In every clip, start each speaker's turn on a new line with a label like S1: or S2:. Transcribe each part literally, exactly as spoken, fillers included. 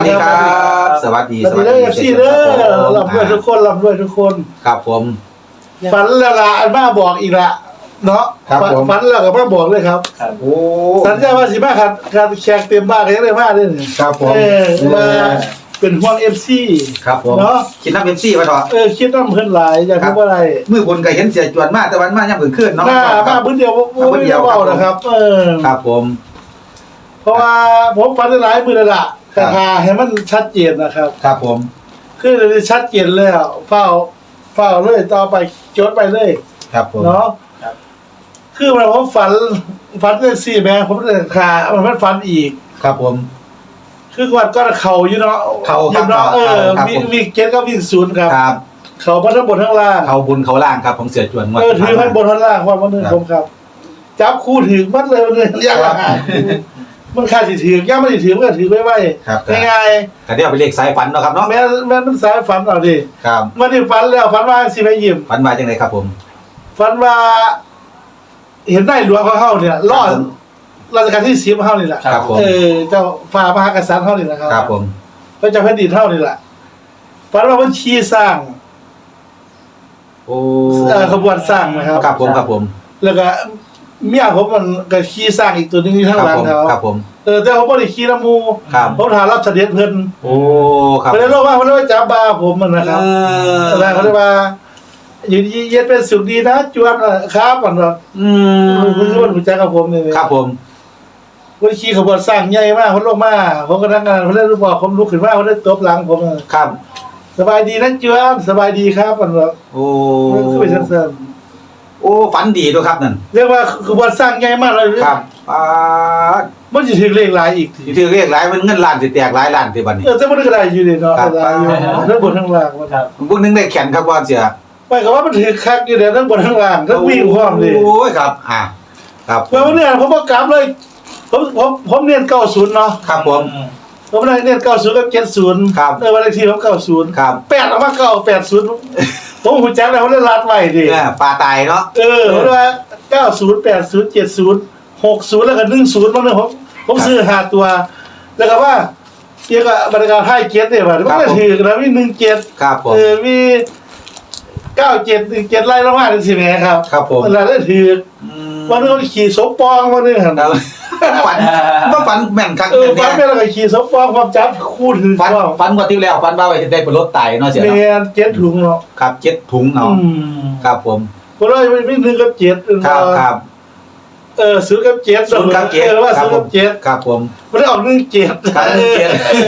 S1: สวัสดีครับสวัสดี
S2: สวัสดีเอฟซีเด้อรับด้วยทุกคนรับด้วยทุกคน
S1: ครับผม
S2: ฝันแล้วล่ะอันมาบอกอีกละเนาะฝันแล้วก็มาบอกเลยครับ
S1: โอ้
S2: สัญญาว่าสิมาครับการแขกเต็มบ้านกันได้มากเลย
S1: ครับผม
S2: เออมาเป็นห่วง เอฟ ซี
S1: ครับผมเนาะคิดน้ำ เอฟ ซี มาต่อ
S2: เออคิดน้ำเพิ่นหลายอยากรู้ว่าอะไร
S1: มือบนก็เห็นเสียจวนมากแต่วันมายังเพิ่งขึ้นเนาะ
S2: มามาพื้นเดียวพื้นเดียวเบานะครับเออ
S1: ครับผม
S2: เพราะว่าผมฝันหลายมื้อแล้วล่ะแต่หาให้มันชัดเจนนะครับ
S1: ครับผม
S2: คือชัดเจนแล้วเฝ้าเฝ้าเลยต่อไปจดไปเลย
S1: ครับผม
S2: เนาะคือมันผมฝันฝันเรื่องสี่แม่ผมเลยขามันมันฝันอีก
S1: ครับผม
S2: คือวันก็เข่าอยู่เนาะ
S1: เข่า
S2: อยู่เนาะเออวิ่งวิ่งเก็ตก็วิ่งศูนย์ครับ
S1: ครับ
S2: เข่าทั้งบนทั้งล่าง
S1: เข่าบนเข่าล่างครับของเสือจวน
S2: เออถือทั้งบนทั้งล่างความมันนึงผมครับจับคู่ถือมัดเลยมันเลยยากมันขาดสิถือย่าไม่ถือมันก็ถือไว้ไว้ง่าย
S1: ๆแต่เดี๋ยวไปเลขสายฝันเนาะครับเนาะ
S2: แม่แม่มันสายฝันเอาดิ
S1: ครับ
S2: มันนี่ฝันแล้วฝันว่าสิไปยิ้ม
S1: ฝันว่าจังไดครับผม
S2: ฝันว่าเห็นได้หลวงเขาเข้าเนี่ยรอดราชการที่สิบเข้านี่แหละเออเจ้าฝ่ามหากษัตริย์เข้านี่แหละครับ
S1: ครับผม
S2: พระเจ้าแผ่นดินเท่านี่แหละฝันว่ามันชี้สร้าง
S1: โอ้
S2: ขบวนสร้างนะครับ
S1: ครับผมครับผม
S2: แล้วก็เมียผมมันก็ขี้สร้างอีกตัวนึงที่ข้างหลังเขา
S1: ครับผม
S2: เออแต่เขาไม่ได้ขี้น้ำมูเขาถามรับเสด็จเพิ่น
S1: โอ้ครับ
S2: เขาเรียกว่าเขาเรียกว่าจับบาผมมันนะครับอะไรเขาเรียกว่าอยู่ดีเย็นเป็นสุขดีนะจวนครับมันแบบ
S1: อืม
S2: คุณรู้ว่ารู้จักกับผมเนี่ย
S1: ครับผม
S2: วันขี้ขบวนสร้างใหญ่มากเขาลงมาผมก็นั่งงานเขาได้รู้บอกผมลุกขึ้นมาเขาได้ตบหลังผม
S1: ครับ
S2: สบายดีนะจวนสบายดีครับมันแบบ
S1: โอ้
S2: คือไปเสริม
S1: โอ้ฝันดีด้วยครับนั่น
S2: เรียกว่าขบวนสร้างใหญ่มากเลย
S1: ครับอ่า
S2: มันจะถึงเลขหลายอีก
S1: ทีถึงเลขหลายมันเงินล้านสิแตกหลายล้านทีบัดนี้
S2: เออแต่มันก็ได้อยู่ดีเนาะได้อยู่ทั้งบนทั้งล่าง
S1: ครับพวกนึงได้แขนครับว่าเสีย
S2: ไม่ก็ว่ามันถือคักอยู่เดี๋ยวทั้งบนทั้งล่างทั้งวิ่งพร้อมเลย
S1: โอ้ยครับอ่าครับ
S2: เมื่อเนี่ยผมก็กลับเลยผมผมผมเรียนเก้าศูนย์เนาะ
S1: ครับผม
S2: ผมเรียนเก้าศูนย์กับเจ็ดศูนย์
S1: ครับ
S2: เออวันเลขที่ผมเก้าศูนย์
S1: ครับ
S2: แปดออกมาเก้าแปดศูนย์ผมหูจักแล้วผมเล่นรัดไว้ดิ
S1: ปลาตายเนาะ
S2: เออเพราะว่าเก้าศูนย์แปดศูนย์เจ็ดศูนย์หกศูนย์แล้วก็หนึ่งศูนย์มันเลยผมผมซื้อหาตัวแล้วก็ว่าเกี่ยวกับบรรยากาศไทยเจ็ดเนี่ยว่ามันก็ถือแล้วมีหนึ่งเจ็ดเออมีเก้าเจ็ดหนึ่งเจ็ดไล่ละมาเป็นสิแม่ครับ
S1: ครับผม
S2: แล้วได้ถือวันนึงขี่สมปองวันนึงครับ
S1: ฝันว่าฝันแม่นคัก
S2: เออฝันแม่แล้วก็ขี่สมปองความจับคู่ถือ
S1: ฝันฝันกว่าที่แล้วฝันว่าไปได้เป็นรถไต่เนาะเสียเนาะ
S2: แม่เจ็ดถุงเนาะ
S1: ครับเจ็ดถุงเนาะครับผม
S2: เพราะว่าไม่หนึ่งกับเจ็ด
S1: ครับครับ
S2: เออศูนย์กับเจ็ด
S1: ศูนย์กับเจ็ด
S2: ว่าศูนย์กับเจ็ด
S1: ครับผม
S2: ไม่ได้ออกหนึ่งเจ็ด
S1: ครับหนึ่งเจ็ด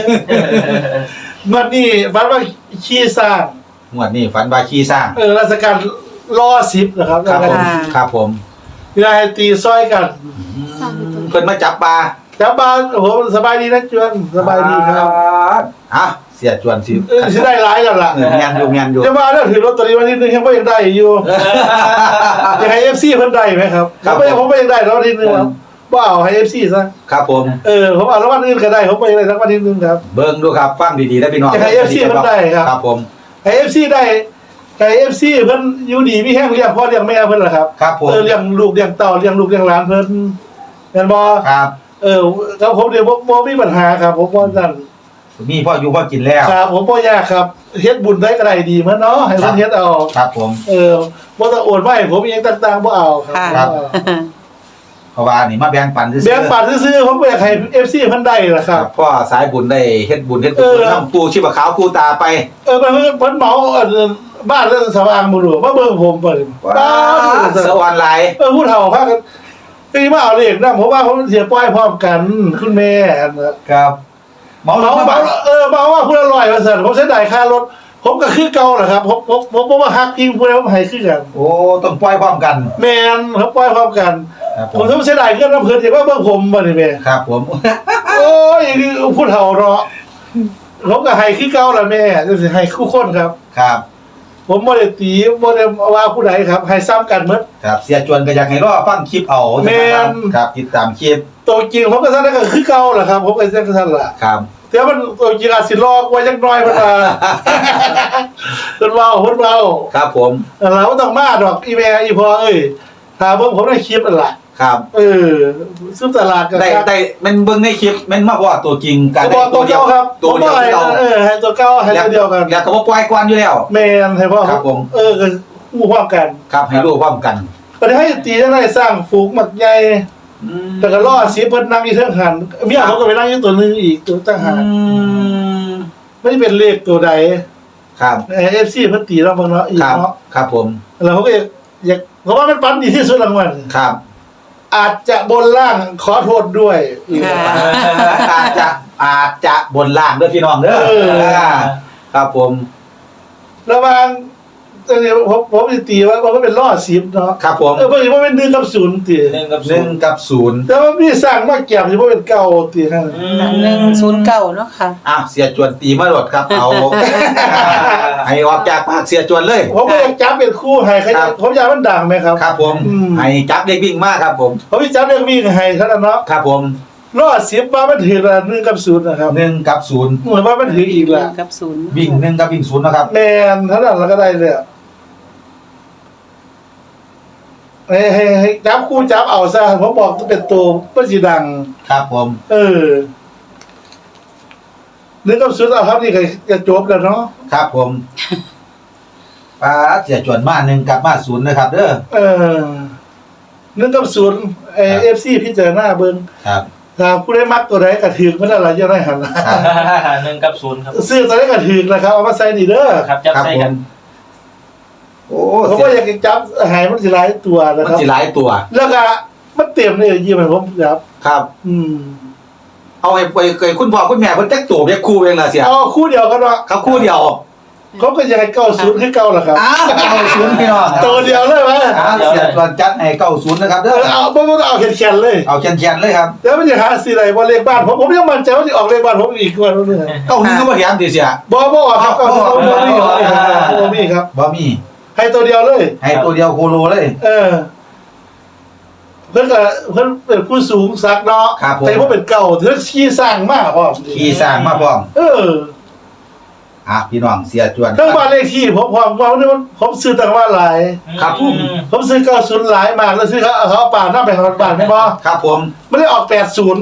S2: วันนี้ฝันว่าขี้สร้าง
S1: งวดนี้ฝันว่าขี้สร้าง
S2: เออราชการล่อสิบนะครับ
S1: ครับผมครับผม
S2: นายตีซ้อยกัน
S1: เพิ่นมาจับปลา
S2: จับปลาโอ้โหสบายดีนะจวนสบายดีครับ
S1: อ่ะเสียจวนสิ
S2: เออสิได้หลายกันล่ะ
S1: งานอยู่งานอยู่
S2: จะมาแล้วถือลอตเตอรี่วันที่หนึ่งยังไม่ยังได้อยู่ยังให้ เอฟ ซี เพิ่นได้ไหมครับผมไม่ผมไม่ยังได้แล้ววันที่หนึ่งครับบ่เอาให้ เอฟ ซี ซะ
S1: ครับผม
S2: เออผมเอาแล้ววันอื่นก็ได้ผมไปได้ทั้งวันที่หนึ่งครับ
S1: เบิ่งดูครับฟังดีๆนะพี่น้อง
S2: ให้ เอฟ ซี เพิ่นได้ครับ
S1: ครับผม
S2: ให้ เอฟ ซี ได้ไก่ เอฟ ซี เพิ่นอยู่ดีมีแห้งเลี้ยงพ่อเลี้ยงแม่เพิ่นล่ะครับ
S1: ครับผม
S2: เออเลี้ยงลูกเลี้ยงเต้าเลี้ยงลูกเลี้ยงหลานเพิ่นแม่นบ่
S1: ครับ
S2: เออครับผมเดี๋ยวบ่บ่มีปัญหาครับผมว่าซั่น
S1: มีพ่ออยู่พ่อกินแล้ว
S2: ครับผมบ่ยากครับเฮ็ดบุญได้ก็ได้ดีเหมือนเนาะให้เพิ่นเฮ็ดเอา
S1: ครับผม
S2: เออบ่ต้องโอนไว้ผมอีหยังต่างๆบ่เอา
S1: ครับเพราะว่านี่มาแบ่งปันซื่อๆ
S2: แบ่งปันซื่อๆผมอยากให้ เอฟ ซี เพิ่นได้ล่ะครับ
S1: พ่อสายบุญได้เฮ็ดบุญเฮ็ดกุศลนำปู่ชีพขาวปู่ตาไป
S2: เออเพิ่นเพิ่นเหมาบ้านเรื่องสว่างบ่รู้มาเบิ่งผมเพิ่น
S1: บ้านสวรรค์หลาย
S2: เออผู้เฒ่าพากันตีมาเอาเลขนำผมว่าผมเสียปล่อยพร้อมกันคุณแม่
S1: ครับเหมา
S2: เหมาเออเหมาว่าผู้ละร้อยว่าซั่นผมเสียดายค่ารถผมก็คือเก่าแหละครับผมผมผมบ่ว่าฮักจริงผู้ใดผมให้คือกัน
S1: โอ้ต้องปล่อยพร้อมกัน
S2: แม่นครับปล่อยพร้อมกันผมต้องเสียดายเงินน้ำเพิ่นสิว่าเบิ่งผมบ่นี่แม่
S1: ครับผม
S2: โอ้ยผู้เฒ่าเนาะผมก็ให้คือเก่าล่ะแม่จังสิให้คู่คนครับ
S1: ครับ
S2: ผมบ่ได้ตีบ่ได้ว่าผู้ใดครับให้ซ้ำกันหมด
S1: ครับเสียจวนก็อยากให้รอฟังคลิปเอา
S2: แม่น
S1: ครับติดตามคลิป
S2: ตัวจริงผมก็ซั่นก็คือเก่าล่ะครับผมก็จังซั่นล่ะ
S1: ครับ
S2: แต่มันตัวจริงอาจสิรอกว่าจักหน่อยเพิ่นว่าเพิ่นเว้าเพิ่นเว้า
S1: ครับผม
S2: เราบ่ต้องมาดอกอีแม่อีพ่อเอ้ยถ้าผมผมได้คลิปนั่นล่ะ
S1: ครับ
S2: เออซื้อตลาดกัน
S1: ได้ได้มันเบิ่งในคลิปมันมาว่าตัวจริงกัน
S2: ตัวตัวเดียวครับ
S1: ตัวเดียว
S2: ให้
S1: เรา
S2: เออให้ตัวเก้าให้ตัวเดียวกัน
S1: แล้วก็บ่ปล่อยกวนอยู่แล้ว
S2: แมนให้พ่อ
S1: ครับผม
S2: เออก็อู้พร้อมกัน
S1: ครับให้รู้พร้อมกัน
S2: ก็ได้ให้ตีได้สร้างฝูงหมักใหญ่แต่ก็ล่อสีเพิ่นนั่งอยู่เทิงหันเมียเขาก็ไปนั่งอยู่ตัวนึงอีกตัวตั้งหากไม่เป็นเลขตัวใด
S1: ครับ
S2: เอฟซีเพิ่นตีเราเบิ่งเนาะอีก
S1: ครับ
S2: เนาะ
S1: ครับผม
S2: แล้วเขาก็อยากอยากเพราะว่ามันปันดีที่สุดรางวัล
S1: ครับ
S2: อาจจะบนล่างขอโทษด้วยอีก
S3: ค่ะ
S1: อาจจะอาจจะบนล่างเด้อพี่น้องเด้อ
S2: เออ
S1: ครับผม
S2: ระหว่างตอนนี้ผมผมสิตีว่าว่ามันเป็นล่อสิบเนาะ
S1: ครับผม
S2: เออเพิ่นว่าเป็นหนึ่งกับศูนย์ตี
S4: หนึ่งกับ
S1: หนึ่งกับศูนย์
S2: แต่ว่าพี่สร้างมาแก็บสิบ่เป็นเก่าตีนั่น
S3: หนึ่งศูนย์เก้าเนาะค่ะ
S1: อ่ะเสียจวนตีมาโดดครับเอาให้ออกจากปากเสียจวนเลย
S2: ผมก็อยากจับเป็นคู่ให้ใคร
S1: ครับ
S2: ผมอยากมันดังไหมครับ
S1: ครับผม
S2: อืม
S1: ให้จับเด็กวิ่งมากครับผม
S2: ผมพี่จับเรื่องวิ่งให้เท่านั้นเนาะ
S1: ครับผม
S2: รอดสิบว่ามันถือละหนึ่งกับศูนย์นะครับ
S1: หนึ่งกับศูนย์
S2: เหมือนว่ามันถืออีก
S3: ห
S2: ละ
S3: นึ่งกับศูนย์
S1: วิ่งหนึ่งกับวิ่งศูนย์นะครับ
S2: แมนเท่านั้นเราก็ได้เลยอะให้ให้ให้จับคู่จับเอาซะผมบอกจะเป็นตัวมันสีดัง
S1: ครับผม
S2: เออหนึ่งกับศูนย์เอาครับนี่ก็จะจบแล้วเนาะ
S1: ครับผมป้าเสียจวนมาหนึ่งกับมาศูนย์นะครับเด้อ
S2: เออหนึ่งกับศูนย์เอ
S1: ครับ
S2: เอฟซีพิจารณาเบิ่ง
S1: ครับ
S2: ถ้าผู้ได้มักตัวใดกระถือมันอะไรจะได้หัน
S1: ครับ
S4: หนึ่งกับศูนย์ครับ
S2: ซื้อตัวใดกระถือนะครับเอามาใส่นี่เด้อ
S4: ครับจับ
S1: ครับ
S4: ใส่
S1: ผ
S4: กั
S1: ม
S4: น
S1: โอ้
S2: ผม
S1: เสี
S2: ก็
S1: ย
S2: อยากจะจับหายมันสิหลายตัวนะ
S1: มัน
S2: ครับ
S1: สิหลายตัว
S2: แล้วก็มันเต็มเลยยี่มันผมครับ
S1: ครับ
S2: อืม
S1: เอาให้ไปเคยคุณพ่อคุณแม่เพิ่นจักตัวเรียกคู่เองล่ะเสีย
S2: เอาคู่เดียวกันวะ
S1: เขาคู่เดียว
S2: เขาก็ยังไงเก้าศูนย์คือเก้าแหละครับ
S1: อ้าวเก้าศูนย์พี่น้อง
S2: ตัวเดียวเลยวะ
S1: อ้าวเสียจวนจัดให้เก้าศูนย์นะครับ
S2: เอ
S1: เด้อ
S2: อเอาไม่ต้องเอาแขนๆเลย
S1: เอาแขนๆเลยครับ
S2: แล้วมันจะหาสีอะไรว่าเลขบ้านผมผมยังมั่นใจว่าจะออกเลขบ้านผมอีกกว่านึง
S1: เก้าหนึ่งก็บ่แถมติเสีย
S2: บอบอครับเก้าศูนย์บอมี่ครับบอมี่ครับ
S1: บ่มี
S2: ให้ตัวเดียวเลย
S1: ให้ตัวเดียวโคโลเลย
S2: เออ เพื่อนก็เพื่อนเป็นผู้สูงสักเนาะ
S1: ครับผม
S2: แต่ว่าเป็นเก่าเรื่องขี้สร้างมากพ่อ
S1: ขี่สร้างมาพร้อม
S2: เออ
S1: อ่ะพี่น้องเสียจวน
S2: เรื่องบ้านเลขที่ผมผมผมนี่มันผมซื้อต่างบ้านหลาย
S1: ครับผม
S2: ผมซื้อเก้าศูนย์หลายมากแล้วซื้อเขาเขาเอาป่าหน้าไปของบ้านไม่พอ
S1: ครับผม
S2: ไม่ได้ออกแปดศูนย์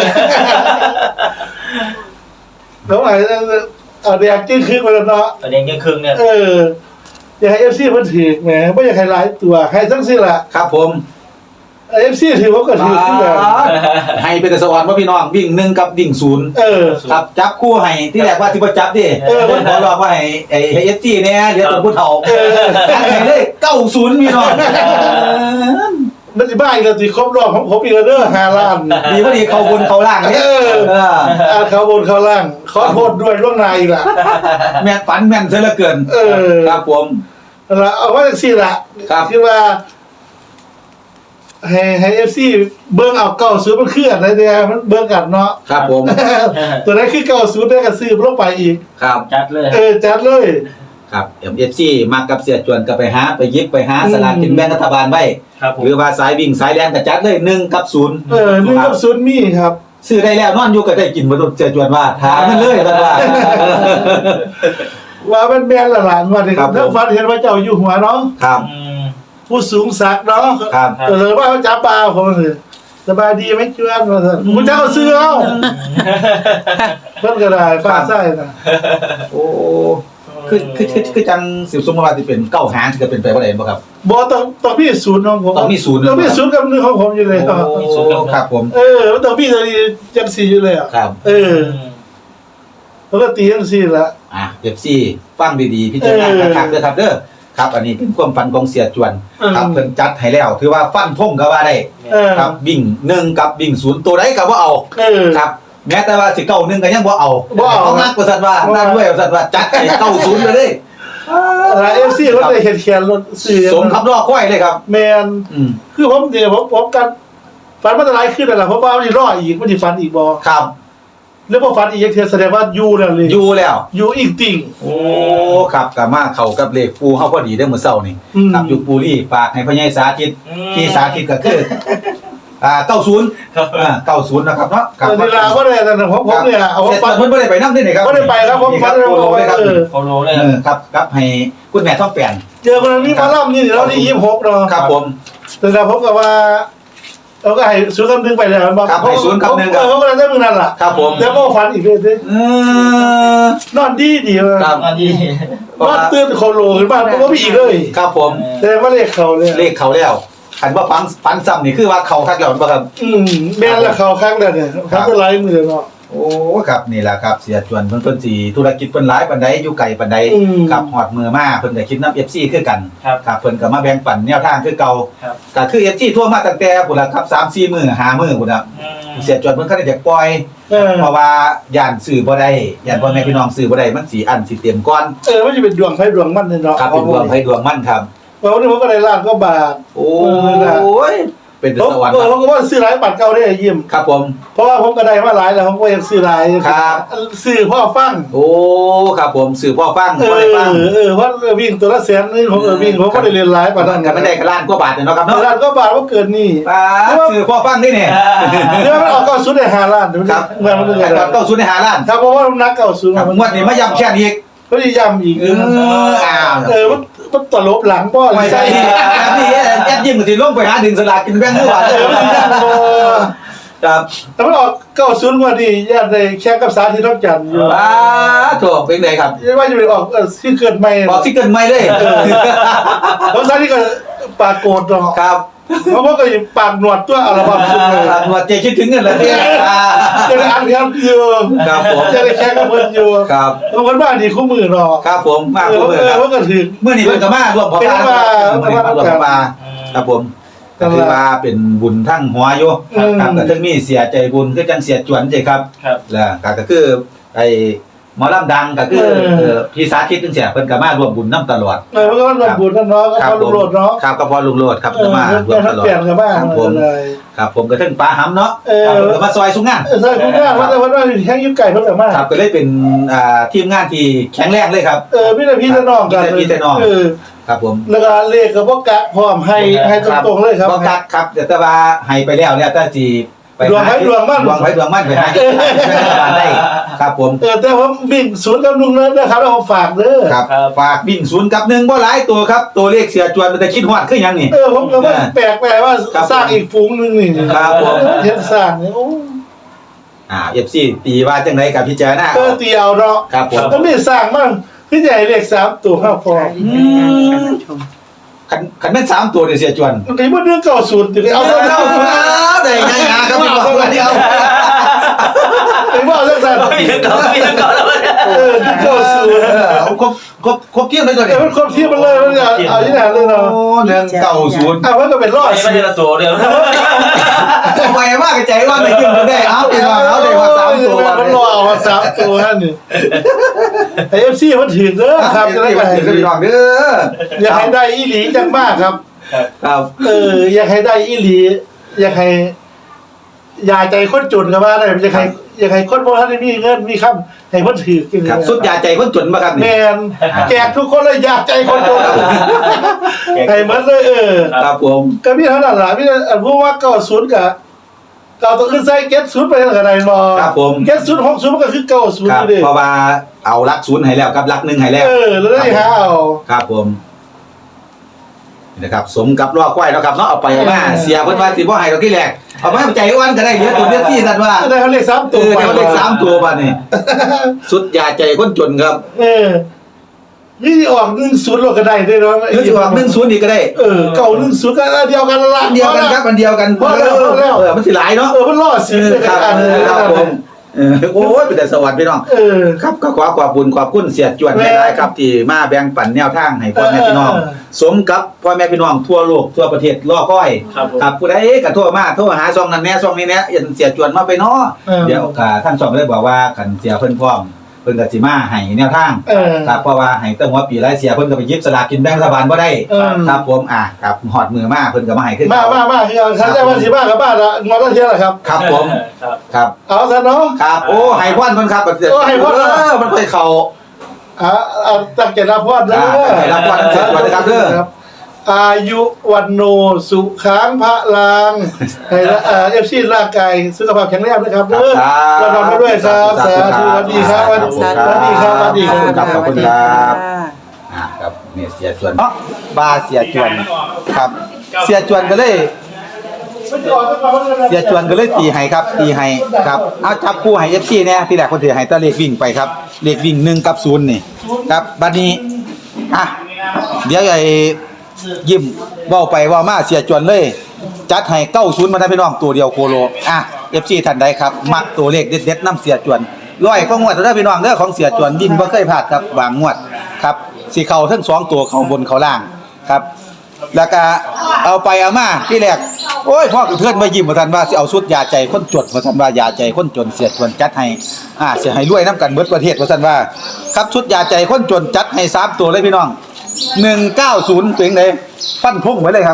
S2: แล้วไอ้เอาแดงจิ้งขึ้นมาแล้วเนาะ
S4: ประเด็นยังครึ่งเนี่ย
S2: เอออยากให้เอฟซีมันถือแหมไม่อยากให้หลายตัวให้ทั้งสิ้นละ
S1: ครับผม
S2: เอฟซีถือว่าก็ถือขึ้นกัน
S1: ให้เป็นสวรรค์ว่าพี่น้องวิ่งหนึ่งกับวิ่งศูนย์
S2: เออ
S1: ครับจับคู่ให้ที่แรกว่าที่ประจับดิ
S2: เออ
S1: ผมขอรองว่าให้ไอ้เอสจีเนี่ยเดี๋ยวตัวผู้เฒ่า
S2: เออ
S1: ให้ได้เก้าศูนย์พี่น้อง
S2: มันจะบ้าอีกแล้วสิครบรอบของผมอีกแล้วเด้อห้าล้าน
S1: ดีพอดีเขาบนเขาล่างเนี่ย
S2: เออ
S1: เออ
S2: อ่าเขาบนเขาล่างขอโทษด้วยล่วงหน้าอีกละ
S1: แม่นฝันแม่นเสียเหลือเกิน
S2: เออ
S1: ครับผม
S2: แล้วเอาว่าสิละ
S1: ครับ
S2: คือว่า ให้ให้เอฟซีเบิ้งเอาเก้าศูนย์มันเคลื่อนนะเดียมันเบิ้งกันเนาะ
S1: ครับผม
S2: ตัวนั้นคือเก้าศูนย์ได้กระซื้อลงไปอีก
S1: ครับ
S4: จัดเลย
S2: เออจัดเลย
S1: ครับเอ็มซีมากับเสียจวนก็ไปหาไปยิบไปหาสลากกินแบ่งรัฐบาลไว้
S4: ครับผม
S1: หรือว่าสายวิ่งสายแลนก็จัดเลยหนึ่งกับศูนย์
S2: เออหนึ่งกับศูนย์มีครับ
S1: ซื้อได้แล้วนอนอยู่ก็ได้กินมาโดนเสียจวนว่าถามมันเลยท่านว่า
S2: ว่ามันแม่นละหลานว่าเนี่ย
S1: ครับผม
S2: ถ้าฟันเห็นว่าเจ้าอยู่หัวเนาะ
S1: ครับ
S4: อืม
S2: ผู้สูงศักดิ์เนาะ
S1: ครับ
S2: เออว่าเขาจับปลาผมเลยสบายดีไหมชวนมาเถอะคุณเจ้าก็ซื้อเอาเพิ่นก็ได้ฟ้าไส้นะ
S1: โอ้คือคือคือคือจังสิบสมมติว่าที่เป็นเก้าหางที่จะเป็นไปว่าอะไรบ่ครับ
S2: บอต้องต้องมีศูนย์ของผม
S1: ต้องมีศูนย์
S2: ต้องมีศูนย์กับหนึ่งของผมอยู่เลยครับ
S1: โอ้ครับผม
S2: เออมันต้องมีตัวนี้จังสี่อยู่เลยอ่ะ
S1: ครับ
S2: เออแล้วก็ตีจังสี่ละ
S1: อ่ะเอฟซีฟังดีๆพิจารณา
S2: เออ
S1: คักๆเด้อครับเด้อครับ อันนี้เป็นความฝันของเสียจวน
S2: อืม
S1: ครับเพิ่นจัดให้แล้วถือว่าฟันธงก็ว่าได้
S2: เออ
S1: ครับวิ่งหนึ่งกับวิ่งศูนย์ตัวใดก็บ่เอา
S2: เออ
S1: ครับ แม้แต่ว่าสิเก้าหนึ่งก็ยังบ่เอา
S2: บ่เอา
S1: เขามากกว่าสัตว์ว่า
S2: บ่เอา
S1: นั่นด้วยว่าสัตว์ว่าจัดให้เก้าศูนย์ไปเลย
S2: เอฟซีรถเลยเขียนเขียนรถสี่
S1: สมคำรอค่อยเลยครับ
S2: แมน
S1: อืม
S2: คือผมเดี๋ยวผมผมกันฟันมันจะไรขึ้นอะไรเพราะว่ามันจะรออีกมันจะฟันอีกบอ
S1: ครับ
S2: แล้วพอฟันอีกยังเทียแสดงว่ายูแล้วเลย
S1: อยู่แล้ว
S2: ยูอีกติ่ง
S1: โอ้ครับกลับมาเข้ากับเลขปูเฮาพอดีได้อมื้อเช้านี่
S2: อืม
S1: ครับอยู่ปูรี่ฝากให้พ่อใหญ่สาธิต
S4: อืม
S1: ที่สาธิตก็คืออ่าเก้าศูนย์อ่าเก้าศูนย์นะครับเนาะครับ
S2: เวลาก็ได้แต่ผมผมเนี่ยเอา
S1: เสร็จ
S2: ฟัน
S1: เพิ่นบ่ได้ไปนำด้วยนี่ครับ
S2: บ่ได้ไปครับผม
S1: นี่ครับ
S2: ฟัน
S1: โปโลเลยครับ
S2: เออ
S4: โคโลเลย
S1: เออครับครับให้คุณแม่ท้องแปลน
S2: เจอคนนี้มาล่ำนี่เราที่ยี่สิบหกเนาะ
S1: ครับผม
S2: แต่เราผมกับว่าเราก็ให้ศูนย์กับหนึ่งไปแล้วมันบอก
S1: ครับให้ศูนย์กับหนึ่งครับ
S2: เออเขาก็เลยได้มึงนั่นล่ะ
S1: ครับผม
S2: แล้วก็ฝันอีกเลยสิ
S1: เออน
S2: อนดีดีเลย
S1: ครับ
S4: อันนี้
S2: นอนตื่นโคโลขึ้นมาเพราะว่ามีอีกเลย
S1: ครับผม
S2: แสดงว่าเลขเขาเลย
S1: เลขเขาแล้วคันว่าฟังฟันซ้ำนี่คือว่าเขาทักแล้วบ่ครับ
S2: อืมแม่นละเขาครั้งเดียวเนี่ยครั้งเป็นไรมือเนาะ
S1: โอ้ครับนี่แหละครับเสียจวนเพิ่นเพิ่นสิธุรกิจเพิ่นหลายปานใดอยู่ไกลปานใด
S2: อืม
S1: ครับฮอดมือมาเพิ่นก็คิดนำ เอฟ ซี คือกัน
S4: ครับ
S1: ครับเพิ่นก็มาแบ่งปันแนวทางคือเก่า
S4: ครับ
S1: ก็คือ เอฟ ซี ทั่วมาตั้งแต่พุ่นล่ะครับสามสี่มื้อห้ามื้อพุ่นน่ะ
S4: อืม
S1: เสียจวนเพิ่นก็ได้อยากปล่อย
S2: เออ
S1: เพราะว่าย่านซื้อบ่ได้ย่านพ่อแม่พี่น้องซื้อบ่ได้มันสิอันสิเตรียมก่อน
S2: เออมันจะเป็นดวงไพ่ดวงมันเนี่ยเนาะ
S1: ครับเป็นดวงไผดวงมันครับ
S2: เพราะวันนี้ผมก็ได้ล้านก็บาท
S1: โอ้ยเป็น
S2: ผม
S1: สวรรค์
S2: เออผมก็ว่าซื้อหลายบัตรเก่าได้ยิ้ม
S1: ครับผม
S2: เพราะว่าผมก็ได้มาหลายแล้วผมก็ยังซื้อหลาย
S1: ครับ
S2: ซื้อพ่อฟัง
S1: โอ้ครับผมสื่อพ่อฟัง
S2: เอ
S1: พ่อ
S2: อ
S1: ได้ฟัง
S2: เออเพราะวิ่งตัวละแสนนี่ผมเออวิ่งผมก็ได้เรียนหลายบัตร
S1: นั่นก็ไม่ได้กระล้านกว่าบาทเนาะครับเนาะ
S2: ล้านก็บาทว่าเกินนี่
S1: ป้าสื่อพ่อฟังนี่เนี่ย
S2: เดี๋ยวมันออกเก้าศูนย์ได้ห้าล้านเดี๋ยวมัน
S1: ครับ
S2: เงินมันจะเงิน
S1: ครับต้องศูนย์ในหาล้าน
S2: ครับเพราะว่ามันนักเก้าศูนย์
S1: ครับงวดนี้มาย้ำแค่นี้อีก
S2: ก็ได้ย้ำอีก
S1: เอออ้าว
S2: เออมันมันตลบหลังป้อ
S1: ไม่
S2: ใช่
S1: ใช่แบบนี้แอดยิ้มสิลงไปหาดึงสลากกินแบงค์ด้วย
S2: เออมันย้ำบ่
S1: ครับ
S2: แต่มันออกเก้าศูนย์กว่านี่ญาติได้แค่กับสาธิตท้องจันทร์อยู่
S1: ป้าถูกเป็นไงครับ
S2: ยังว่าจะไปออกเออที่เกิดใหม่
S1: บอกที่เกินไม่เลย
S2: แล้วสาธิตก็ปากโกรธเนาะ
S1: ครับ
S2: เพราะว่าก็ปากหนวดตัวอัลบั้มสุดเลย
S1: หนวดเจคิดถึงเงินแล้วเนี่ย
S2: จะได้อ่านครับอยู่
S1: ครับผม
S2: จะได้แค่กับเพิ่นอยู่
S1: ครับ
S2: บางคนบ้านนี่คู่มือเนาะ
S1: ครับผมมาก
S2: เอ
S1: ผม
S2: อ
S1: เลย
S2: เอ
S1: ค
S2: อ
S1: รับ
S2: ว่าก็ถึง
S1: เมื่อนี้เพิ่นก็มารวมพอพานเมื่อนี้มารวมพอพานครับผมก็คือว่าเป็นบุญทั้งหัวอยู่ครับก็ถึงมีเสียใจบุญคือจังเสียจวนใช่ครับ
S4: ครับ
S1: แล้วก็คือไอ้หมอลำดังก็คือเอ่อพี่สาธิตจังเสียเพิ่นก็มารวมบุญนํตลอด
S2: เออมันก็รวมบุญนั่นเนาะก็
S1: ครั
S2: พอ
S1: ผ
S2: ลุ
S1: ม
S2: งโลดเนาะ
S1: ครับก็พอลุงโลดครับ
S2: เอ
S1: ก็
S2: อ
S1: มารวมตลอด
S2: เปลี่ยนกันบ้าง
S1: ครับผม
S2: เลย
S1: ครับผมก็ถึงปลาหำเนาะ
S2: เออ
S1: ครับผมก็มาซอยสุงงาน
S2: เออใช่คุณแม่ว่าแต่ว่าแค่ยิ้มไก่เพิ่นก็มา
S1: ครับก็เลยเป็นอ่าทีมงานที่แข็งแรงเลยครับ
S2: เออพี่แต่พี่แต่น้องกัน
S1: พี่แต่น้อง
S2: เออ
S1: ครับผม
S2: แล้วก็เลขก็บ่กักพร้อมให้ให้ตรงๆเลยครับ
S1: บ่กักครับแต่ว่าให้ไปแล้วเนี่ยแต่สิไป
S2: ดวงไผดวงมัน
S1: ดวงไผดวงมันไปหาที่บ้านได้ครับผม
S2: เออแต่ผมวิ่งศูนย์กับลุงเลยนะครับแล้วผมฝากเด้อ
S1: ครับฝากวิ่งศูนย์กับหนึ่งบ่หลายตัวครับตัวเลขเสียจวนมันจะคิดฮอดคือหยังนี่
S2: เออผมก็ว่าแปลกแปลว่า
S1: ครับ
S2: สร้างอีกฝูงหนึงนี่
S1: ครับผม
S2: เฮ็ดสร้างนี่โอ้
S1: อ่า เอฟ ซี ตีว่าจังไดกับพิจารณา
S2: เออเตียวเนาะ
S1: ครับผม
S2: แล้วมีสร้างมั่งคือใหญ่เลขสามตัวห้าฟอง
S1: คันคันแม่นสามตัวนี่เสียจวน
S2: มันก็บ่เรื่องเก้าศูนย์ถึงเอา
S1: เอา
S2: เท่า
S1: เอา
S2: นั้น
S1: เอาได้ไงอ่ะครับพี่บอกว่าเดียว
S2: ไอ้บ่เอาจังซั่น
S4: มีเก่ามีเก่าแล้วเนี่ย
S2: เออเก้าศูนย์
S1: เอาครบครบครบเที่ยงเลยตัว
S2: เอ
S1: นี้
S2: อมันคนเทียบมันเลยมันเอาเอาที่ไหนเลยเนาะ
S1: โอ้เรื่องเก่าศูนย์
S2: อ่ะมันก็เป็นรอด
S4: ไม่
S2: สิ
S4: ใช่ละตัวเดียว
S1: ไปมากใจว่าได้ขึ้นได้เอาเป็นว่าเอาได้ว่าสามตัว
S2: มันรอเอามาสามตัวนั่นนี่ไอ้ เอฟ ซี มันถึงเด้อครับจะได้
S1: ไป
S2: ไป
S1: ถึงพี่น้องเด้อ
S2: อยากให้ได้อีหลีจังมากครับ
S1: ครับ
S2: เอออยากให้ได้อีหลีอยากให้ยาใจคนจนกันมาได้อยากให้อยากให้คนพวกท่านมีเงินมีคำให้คนถือกิน
S1: ครับสุดยาใจคนจนมาครับ
S2: แม
S1: นี่
S2: นแจกทุกคนเลยอยากใจคนจนให้หมันเลยเออ
S1: ครับผม
S2: ก็พี่เท่านั้นล่ะพี่อันพูดว่าเก้าศูนย์กับเก้าตัวขึ้นใส่เก็ตศูนย์ไปเท่าไหร่บ่
S1: ครับผม
S2: เก็ตศูนย์หกศูนย์มันก็คือเก้าศูนย์
S1: ครับ
S2: อยู่ดิ
S1: เพราะว่าเอารักศูนย์ให้แล้วกับรักหนึ่งให้แล้ว
S2: เออแล้วได้หาเอา
S1: ครับผมนี่นะครับสมกับรอควายแล้วครับเนาะเอาไปเอามาเสียเพิ่นว่าสิบ่ให้ดอกที่แรกเอาไปให้ใจอ้วนก็ได้เดี๋ยวตัวเดียวที่สั่นว่า
S2: ได้เขาเลขสาม
S1: เอ
S2: ตัว
S1: อเดี๋ยวเลขสามตัวบัดนี้สุดยาใจคนจนครับ
S2: เออนี่ออกหนึ่งศูนย์เราก็ได้ด้วยเนาะ
S1: หรือสิว่าหนึ่งศูนย์อีกก็ได้
S2: เออเก้าหนึ่งศูนย์ก็อันเดียวกันละ
S1: อันเดียวกันครับอันเดียวกัน
S2: พอแล้วพอแล้ว
S1: เออมันสิหลายเนาะ
S2: เออมันรอดสิ
S1: เออ
S2: เลย
S1: ครับ
S2: อัน
S1: เอ
S2: นึ
S1: อง ครับผมเออโอ้ยเป็นแต่สวัสดิ์พี่น้อง
S2: เออ
S1: ครับก็ขอขอบคุณขอบคุณเสียจวน
S2: แม่
S1: หลายๆครับที่มาแบ่งปันแนวทางให้พ่อแม่พี่น้อง
S2: เออ
S1: สมกับพ่อแม่พี่น้องทั่วโลกทั่วประเทศรอคอย
S4: ครับผม
S1: ครับผู้ใดก็โทรมาโทรหาช่องนั้นแหน่ช่องนี้แหน่ยันเสียจวนมาไปเนาะ
S2: เออ
S1: เดี๋ยวก็ท่านช่องเลยบอกว่าคันเสียเพิ่นพร้อมเพิ่นก็สิมาให้แนวทาง
S2: เออ
S1: ครับเพราะว่าให้ตั้งหัวปีหลายเสียเพิ่นก็ไปหยิบสลากกินแบ่งรัฐบาลบ่ได้
S2: เออ
S1: ครับผมอ่ะครับฮอดมือมาเพิ่นก็มาให้ขึ้น
S2: มามามาคือเอาฉันได้วันสิบ้ากับบ้านละงอนละเทียละครับ
S1: ครับผม
S4: ครับ
S1: ครับ
S2: เอาซะเนาะ
S1: ครับโอ้ให้พรเพิ่นครับ
S2: โอ้ให้พร
S1: เออมันค่อยเข้า
S2: อ่าเอาตั้งใจรับพรเด้อ
S1: ตั้งใจรับพรเสร็จก่อนนะครับเด้อ
S2: ครับอายุวันโนสุขังพระลังให้ละเอ่อฟซีร่างกายสุขภาพแข็งแรงนะครับเด้อ
S1: ครับ
S2: เราทำไปด้วยครับสาธุสวัสดีครับสวัสดี
S1: สาธุ
S2: สวัสดีครับสวัสดีค
S1: ครั
S2: รับ
S1: ขอบคุณครับ อ่าครับเนี่ยเสียจวนเนาะบาเสียจวนครับ เสียจวนก็เลยเสียจวนก็เลยตีให้ครับตีให้ครับเอาจับคู่ให้ เอฟ ซี เนี่ยที่แรกคนถือให้ตะเลขวิ่งไปครับเลขวิ่งหนึ่งกับศูนย์นี่ครับบัดนี้อ่ะเดี๋ยวไอ้ยิ้มเว้าไปเว้ามาเสียจวนเลยจัดให้เก้าศูนย์มาได้พี่น้องตัวเดียวโคโลอ่ะ เอฟ ซี ท่านใดครับมักตัวเลขเด็ดๆนำเสียจวนร้อยก็งวดเด้อพี่น้องเด้อของเสียจวนดินบ่เคยพลาดครับบางงวดครับสิเข้าทั้งสองตัวเข้าบนเข้าล่างครับแล้วก็เอาไปเอามาที่แรกโอ้ยพ่อกับเพื่อนมายิ้มว่าท่านว่าสิเอาสุดยาใจคนจนว่าท่านว่ายาใจคนจนเสียจวนจัดให้อ่าสิให้รวยนํกันเบิดประเทศว่าท่านว่าครับชุดยาใจคนจนจัดให้สามตัวเลยพี่น้องหนึ่งเก้าศูนย์เป็นจังได๋ฟันธงไว้เลยครับ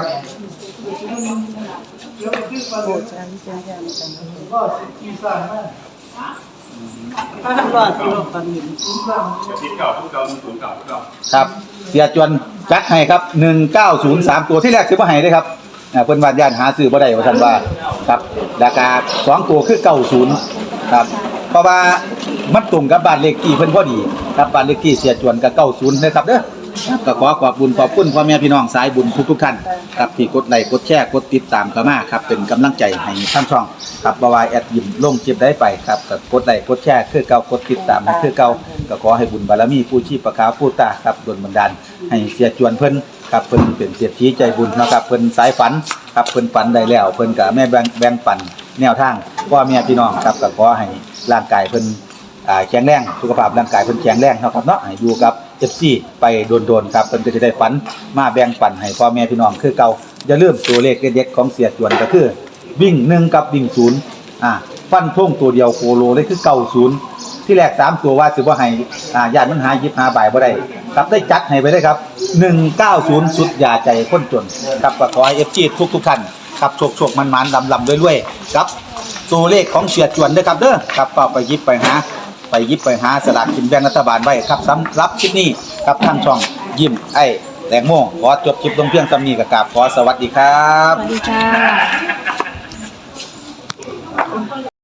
S1: ครับเสียจวนจัดให้ครับหนึ่งเก้าศูนย์สามตัวที่แรกซื้อมาให้เลยครับอ่าเพิ่นว่าญาติหาซื้อบ่ได้ว่าซั่นว่าครับราคาสองตัวคือเก้าสิบครับเพราะว่ามันตรงกับบ้านเลขที่เพิ่นพอดีครับบ้านเลขที่เสียจวนก็เก้าสิบนะครับเด้อก็ขอขอบคุณขอบคุณพ่อแม่พี่น้องสายบุญทุกๆท่านครับที่กดไลค์กดแชร์กดติดตามเข้ามาครับเป็นกำลังใจให้ทางช่องครับบ่ว่าแอดยิ้มลงคลิปได้ไปครับก็กดไลค์กดแชร์คือเก่ากดติดตามให้คือเก่าก็ขอให้บุญบารมีผู้ชีพประคาผู้ตาครับดลบันดาลให้เสียจวนเพิ่นครับเพิ่นเป็นเศรษฐีใจบุญนะครับเพิ่นสายฝันครับเพิ่นฝันได้แล้วเพิ่นก็แม่แบ่งแบ่งปันแนวทางพ่อแม่พี่น้องครับก็ขอให้ร่างกายเพิ่นอ่าแข็งแรงสุขภาพร่างกายเพิ่นแข็งแรงเนาะครับเนาะให้อยู่กับ เอฟ ซี ไปโดนๆครับเพิ่นก็จะได้ฝันมาแบ่งปันให้พ่อแม่พี่น้องคือเก่าอย่าลืมตัวเลขเด็ดๆของเสียจวนก็คือวิ่งหนึ่งกับวิ่งศูนย์อ่าฟันธงตัวเดียวโคโลเลยคือเก้าสิบที่แรกสามตัวว่าสิบ่ให้อ่าญาติมันหาหยิบหาบ่ายบ่ได้ครับได้จัดให้ไปเลยครับหนึ่งเก้าศูนย์สุดยาใจคนจนครับก็ขอให้ เอฟ ซี ทุกๆท่านครับโชคๆมันๆลำๆรวยๆครับตัวเลขของเสียจวนเด้อครับเด้อครับก็ไปหยิบไปหาไปหยิบไปหาสลากกินแบ่งรัฐบาลไว้ครับสำหรับคลิปนี้ครับทางช่องยิ้มไอ้แตงโมขอจบคลิปลงเพียงสำนี้กับกราบขอสวัสดีครับ
S3: สวัสดีค่ะ